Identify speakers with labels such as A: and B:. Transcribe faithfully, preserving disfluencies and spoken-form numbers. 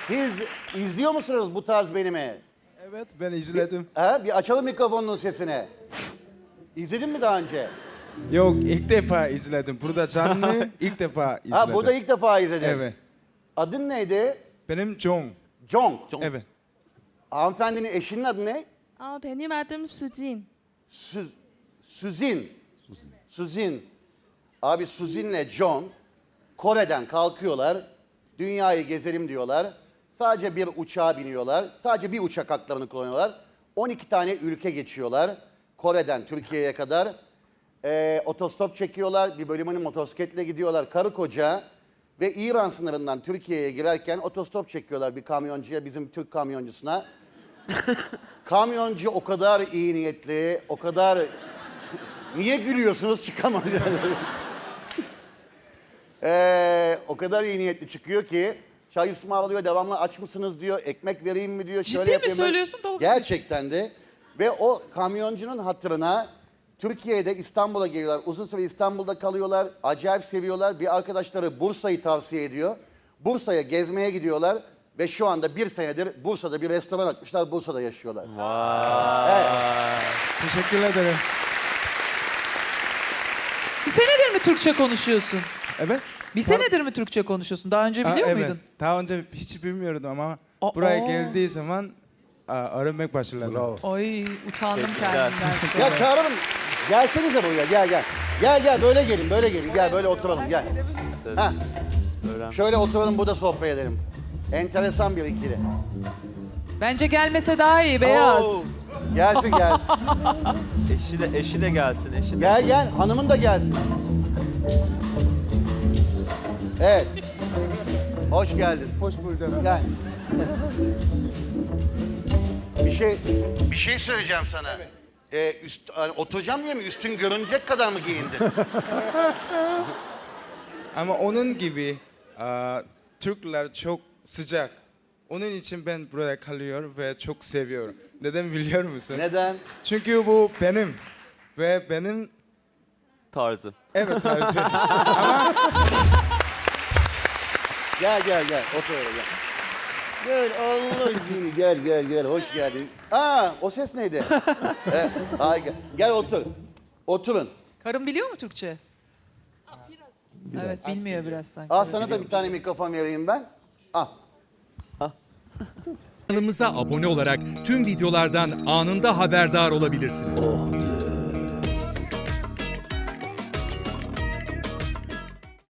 A: Siz izliyor musunuz bu tarz benimi?
B: Evet, ben izledim.
A: Ha? Bir açalım mikrofonun sesini. İzledin mi daha önce?
B: Yok, ilk defa izledim. Burada canlı ilk defa izledim.
A: Ha, bu da ilk defa izledin.
B: Evet.
A: Adın neydi?
B: Benim Jong.
A: Jong.
B: Evet.
A: Hanımefendinin eşinin adı ne?
C: 아, benim adım Sujin.
A: Süz, Suzin. Suzin. Abi Suzin'le John Kore'den kalkıyorlar. Dünyayı gezelim diyorlar. Sadece bir uçağa biniyorlar. Sadece bir uçak haklarını kullanıyorlar. on iki tane ülke geçiyorlar. Kore'den Türkiye'ye kadar. Ee, otostop çekiyorlar. Bir bölümünü motosikletle gidiyorlar. Karı koca ve İran sınırından Türkiye'ye girerken otostop çekiyorlar bir kamyoncuya, bizim Türk kamyoncusuna. Kamyoncu o kadar iyi niyetli, o kadar... Niye gülüyorsunuz, çıkamaz yani. ee, o kadar iyi niyetli çıkıyor ki çay ısmarlıyor, devamlı aç mısınız diyor, ekmek vereyim mi diyor.
C: Ciddi
A: şöyle
C: mi
A: yapayım ben.
C: söylüyorsun, Tolga?
A: Gerçekten de. Ve o kamyoncunun hatırına Türkiye'de İstanbul'a geliyorlar. Uzun süre İstanbul'da kalıyorlar. Acayip seviyorlar. Bir arkadaşları Bursa'yı tavsiye ediyor. Bursa'ya gezmeye gidiyorlar. Ve şu anda bir senedir Bursa'da bir restoran açmışlar. Bursa'da yaşıyorlar.
D: Vay.
A: Evet.
B: Teşekkür ederim.
C: Bir senedir mi Türkçe konuşuyorsun?
B: Evet.
C: Bir senedir mi Türkçe konuşuyorsun? Daha önce biliyor
B: Aa,
C: muydun?
B: Evet. Daha önce hiç bilmiyordum ama
C: Aa.
B: buraya geldiği zaman aa, öğrenmek başladım.
A: Bravo.
C: Ay, utandım
D: Teşekkürler.
C: kendimden.
A: Ya çağıralım. Gelsenize buraya, gel gel. Gel gel, böyle gelin, böyle gelin. Gel böyle oturalım, gel. Ha.
D: Öğren.
A: Şöyle oturalım, burada sohbet edelim. Enteresan bir ikili.
C: Bence gelmese daha iyi, Beyaz.
D: Oo.
A: Gelsin gelsin.
D: Eşi de, eşi de gelsin, eşi de.
A: Gel gel, hanımın da gelsin. Evet. Hoş geldin.
B: Hoş bulduk.
A: Gel. Bir şey bir şey söyleyeceğim sana. Ee, üst, hani oturacağım diye mi üstün görünecek kadar mı giyindin?
B: Ama onun gibi aa, Türkler çok sıcak. Onun için ben buraya kalıyorum ve çok seviyorum. Neden biliyor musun?
A: Neden?
B: Çünkü bu benim ve benim
D: Tarzı.
B: evet tarzı.
A: Gel gel gel, otur öyle gel. Gel Allah izniyle gel gel gel, hoş geldin. Aa, o ses neydi? evet, ay, gel. Gel otur. Oturun.
C: Karın biliyor mu Türkçe? Evet, bilmiyor biraz sanki.
A: Al sana da bir tane mikrofon vereyim ben. Al.
E: Kanalımıza abone olarak tüm videolardan anında haberdar olabilirsiniz.